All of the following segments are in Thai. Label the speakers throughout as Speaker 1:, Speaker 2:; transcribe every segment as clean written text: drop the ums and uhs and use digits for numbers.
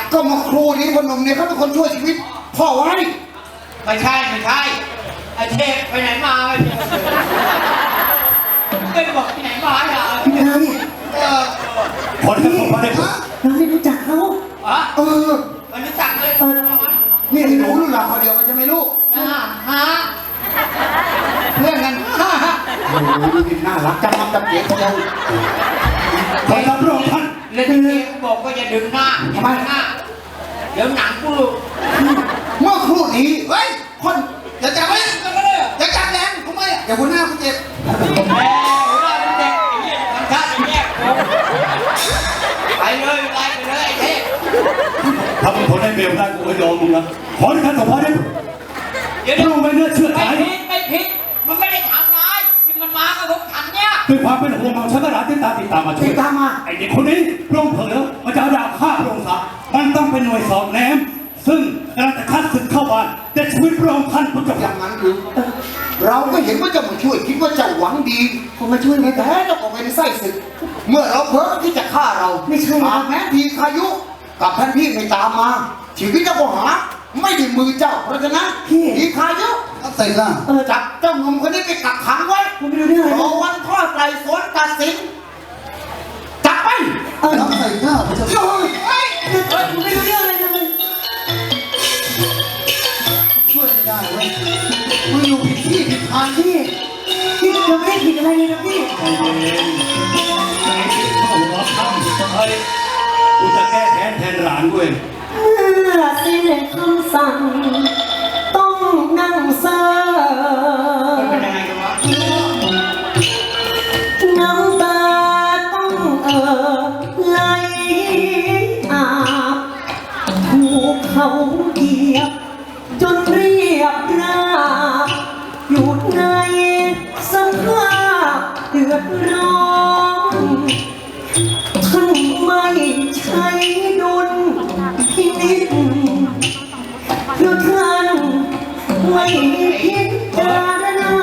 Speaker 1: ก็มาครูนี้คนหนุ่มเนี่ยเขาเป็นคนช่วยชีวิตพ่อไว้
Speaker 2: ไม่ใช่ไอ้เทพไปไหนมาไม่บอกที่ไหนมาอ่ะ
Speaker 3: พี่นาย
Speaker 1: คนที่ผมมาได้
Speaker 3: เราไม่รู้จักเขา
Speaker 2: มันรู้จักเลย
Speaker 1: นี่หนูรุ่นเราคนเดียวกันใช่ไหมลูก
Speaker 2: ฮะเพื่อนกัน
Speaker 1: โอ้โหดูดิน่ารักจังมันจะเปลี่ยนเดียวขอรับรองท่าน
Speaker 2: เล่นเกมบอกว่าอย่าดึงหน้าทำไมหน้าเดี๋ยวหนังกู
Speaker 1: เมื่อครู่นี้เฮ้ยคนอย่าจับไว้อย่าจับแรงทำไมอย่าหัวหน้าคุณเจ็บ
Speaker 2: หัวหน้าคุณเจ็บไอ้เนี่ยทำท่าอย่างเงี้ยไปเลยไอ้เทพ
Speaker 4: ถ้ามึงทนได้เบลได้กูก็ยอมมึงนะขอที่ท่านสมภารได้
Speaker 2: เดี๋ยว
Speaker 4: มึงไม่เลือกเชื่อใจ
Speaker 2: ไม่ผิดมันไม่ได้ทำร้ายที่มันมากับรถถังเนี่ย
Speaker 4: ด้วยความเป็นห่วงของฉันก็รักติดตามมาช่วยไอ้เด็กคนนี้พระองค์เผลอมันจะเอาดาบฆ่าพระองค์ซะมันต้องเป็นหน่วยสอบแนมซึ่งกำลังจะคัดศึกเข้าบ้านแต่ชีวิตพระองค์ท่านพุทธ
Speaker 1: อย่างนั้นหรือเราก็เห็นว่าจะมาช่วยคิดว่าจะหวังดี
Speaker 3: ผมมาช่วย
Speaker 1: ไม่แท้เจ้าก็เป็นไส้ศึกเมื่อเราเพ้อที่จะฆ่าเรา
Speaker 3: ไม่ใช่
Speaker 1: แม้ทีพายุกับท่านพี่ไม่ตามมาชีวิตเราก็หาไม่ได้มือเจ้าเพราะฉะนั้นทีพายุเสร็จแล้วจับเจ้าหนุ่มคนนี้ไปกักขังไว้รอวันทอดไต่สวนตัดสินจับไป
Speaker 3: ท
Speaker 1: ำใส่ข้าวจะ
Speaker 3: ช่วยไม่รู้เรื่องเลยนะ
Speaker 1: ช่วยไม่ได้เว้ยมึงอยู่ผิดที่ผิดทาง
Speaker 3: พี่เราไม่ได้ผิดอะไรเลยนะพี่
Speaker 4: ใจเย็นไอ้ที่เข้าหัวค่ำเฮ้ยกูจะแก้แค้นแทนหลานกูเอง
Speaker 3: เมื่อสิ้นคำสั่งต้องนั่งเซ่อ
Speaker 2: เป็นยังไงกันวะ
Speaker 3: น้ำตาต้องไหลอาบถูกเขาเหยียบจนเรียบราบอยู่ในสภาพเดือดร้อนท่านไม่ใช่ดุลพินิจเพราะท่านไม่พิจารณา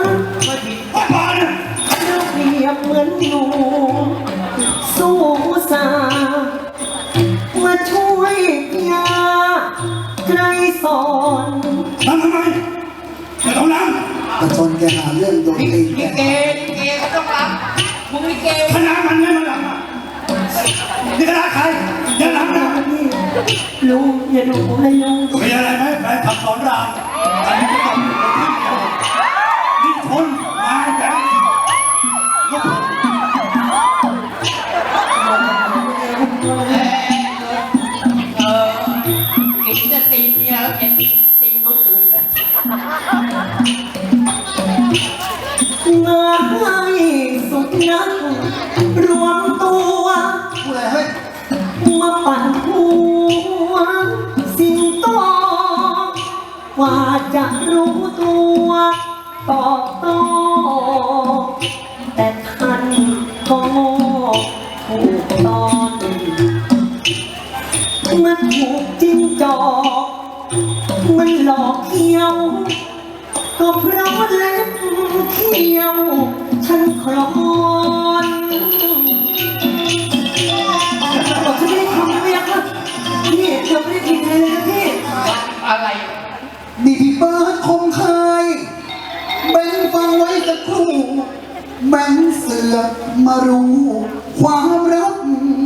Speaker 3: เราเปรียบเหมือนหนูสู้สามาช่วยยาไกรสอน
Speaker 4: ทำไมไม่ต้องนั่ง
Speaker 1: กระชนแกหาเรื่องโดนตี
Speaker 2: ลิเกเขาต้องรับมึงลิเก
Speaker 4: คณะมันไม่มาหลังนี่คณะใครอย่าหลังนะ
Speaker 3: ลุงอย่าดูผมเลยลุง
Speaker 4: มีอะไรไหมแฟนขับสอนรามอันนี้ก็ต้องอยู่ในที่เดียวนี่คนนายแบงค์ลูก
Speaker 2: กินจะตีเนี่ยแล้วจะตีคนอื่นเลย
Speaker 3: มาให้สุดนักรวมตัว
Speaker 1: พูดอะไรเฮ้ย
Speaker 3: มาปั่นหัวสิงโตว่าจะรู้ตัวตอบโต้แต่ท่านก็ถูกตอนมันถูกจิ้งจอกมันหลอกเขี้ยวก็เพราะเล็บเขี้ยวฉันคลอนบอกฉันไม่ได้ทำไม่ยักพี่เดี๋ยวไม่ได้กินเลยนะพี่
Speaker 2: อะไร
Speaker 1: นี่พี่เบิร์ดคงเคยแบ่งฟังไว้สักครู่แบ่งเสือมารู้ความรัก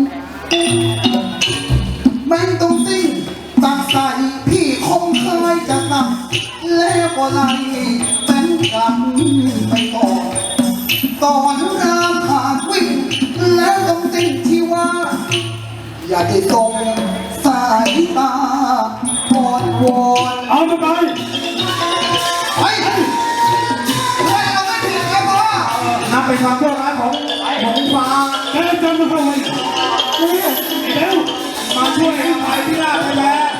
Speaker 1: แบ่งตรงสิ่งตักใส่พี่คงเคยจะตักแล้วก็ไล่แบ่งกลับไปก่อนตอนรามผ่านวิ่งแล้วตรงสิ่งที่ว่าอย่าได้ตรงสายตาอ่อนวอน
Speaker 4: เอาไปไป
Speaker 1: เอาไม่ผิดครับพ่อนับเป็นความชั่วร้ายของฟ้า
Speaker 4: แกจำมันเข้าไว้
Speaker 3: เร็ว
Speaker 1: มาช่วยอภัยที่หน้าไปแล้ว